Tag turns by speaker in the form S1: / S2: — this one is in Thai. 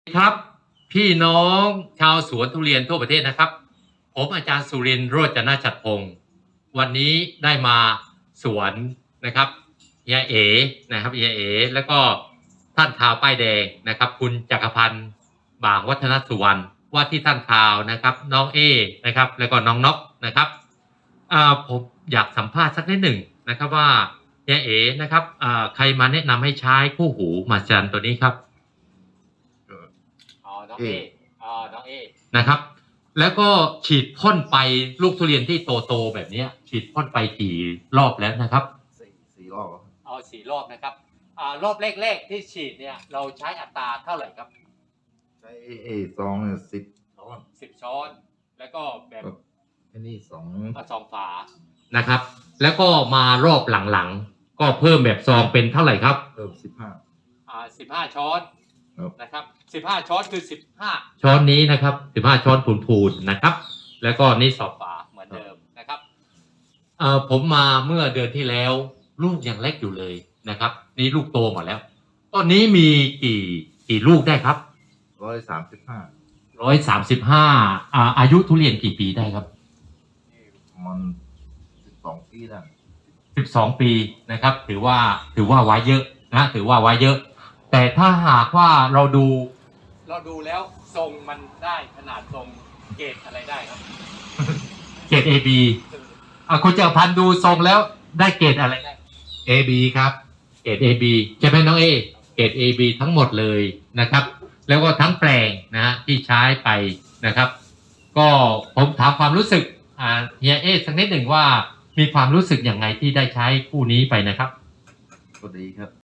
S1: ครับพี่น้องชาวสวนทุเรียนทั่วประเทศนะครับผมอาจารย์สุรินทร์โรจนฉัตรพงศ์วันนี้ได้มาสวนนะครับเฮียเอนะครับเฮียเอแล้วก็ท่านข่าวป้ายแดงนะครับคุณจักรพันธ์บ่างวัฒนสุวรรณว่าที่ท่านข่าวนะครับน้องเอนะครับแล้วก็น้องนกนะครับผมอยากสัมภาษณ์สักนิดหนึ่งนะครับว่าเฮียเอนะครับใครมาแนะนำให้ใช้คู่หูมาจันตัวนี้ครับน้องเอน้องเอนะครับแล้วก็ฉีดพ่นไปลูกทุเรียนที่โตๆแบบนี้ฉีดพ่นไปกี่รอบแล้วนะครับ
S2: สี่รอบ
S1: 4 รอบนะครับรอบแรกๆที่ฉีดเนี่ยเราใช้อัตราเท่าไหร่ครับ
S2: ใช้ซอง
S1: 10 ช้อนแล้วก็แบบ
S2: อันนี้
S1: 2 ฝานะครับแล้วก็มารอบหลังๆก็เพิ่มแบบซองเป็นเท่าไหร่ครับ
S2: เพิ่ม
S1: 15 ช้อนนะครับ15 ช้อนคือ15 ช้อนนี้นะครับ15 ช้อนพูนๆนะครับแล้วก็นี่2 ฝาเหมือนเดิมนะครับผมมาเมื่อเดือนที่แล้วลูกยังเล็กอยู่เลยนะครับนี่ลูกโตหมดแล้วต้นนี้มีกี่ลูกได้ครับ135อายุทุเรียนกี่ปีได้ครับ
S2: มัน12 ปีได้
S1: 12 ปีนะครับถือว่าไว้เยอะนะถือว่าไว้เยอะแต่ถ้าหากว่าเราดูแล้วทรงมันได้ขนาดทรงเกรดอะไรได้ครับเกรด AB คุณจักรพันธ์ดูทรงแล้วได้เกรดอะไรได้ AB ครับเกรด AB ใช่ไหมน้องเอเกรด AB ทั้งหมดเลยนะครับแล้วก็ทั้งแปลงนะที่ใช้ไปนะครับก็ผมถามความรู้สึกเฮียเอสักนิดหนึ่งว่ามีความรู้สึกอย่างไงที่ได้ใช้คู่นี้ไปนะครับ
S2: ก็ดีครับ